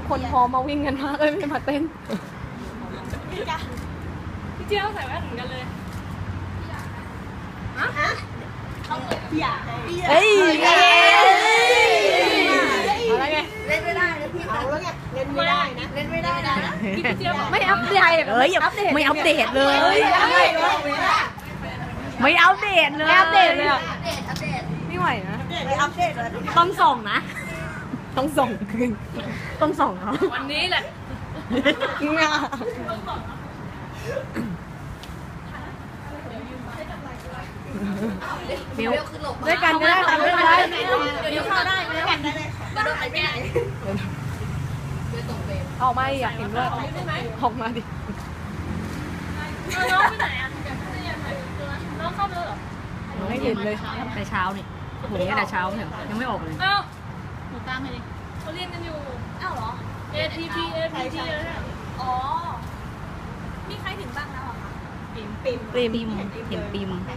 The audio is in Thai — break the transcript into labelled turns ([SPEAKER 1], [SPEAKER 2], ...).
[SPEAKER 1] คนพร้อมมาวิ่งกันมากเลยไม่มาเต้น
[SPEAKER 2] พี่เจี๊ยบใส่แว่นเหมือนกันเลย
[SPEAKER 1] เฮ้ย
[SPEAKER 3] อะไรไงเล่นไม่ได้นะพี่เอาแล้วไงเล่นไม่ได้นะเล่นไม่ได้นะ
[SPEAKER 2] พี่เจี๊ยบ
[SPEAKER 1] ไม่อัปเดตไม่อัปเดตเลยไม่อัปเดตเลยอัปเดตเลยอ่ะไม่ไหวนะ
[SPEAKER 3] ไม่อัปเดตเลย
[SPEAKER 1] ต้องส่งนะต้องส่งต้องส่งเขา
[SPEAKER 2] วันนี้แหละ
[SPEAKER 1] มิวด้วยกันก็ได้ค่ะไม่เป็นไร
[SPEAKER 3] เดี๋ยวเข้าได้ไม่ได้ได้เลยมาโดนใครแก้
[SPEAKER 1] ออกมาอยากเห็นด้วยออกมาดิ
[SPEAKER 2] น้องไปไหนอ่ะน้องเข้าไปแล้วเหรอ
[SPEAKER 1] ไม่เห็นเลยแต่เช้านี่โหแต่เช้าเนี่ยยังไม่ออกเลย
[SPEAKER 2] อ้าวหนูตามไปดิเขาเรียนกันอยู่อ้าวเหรอ ATP อะไรเนี่ยอ๋อมีใครถึงบ้างแล้วอ่ะคะ
[SPEAKER 1] ปิมเห็นปิม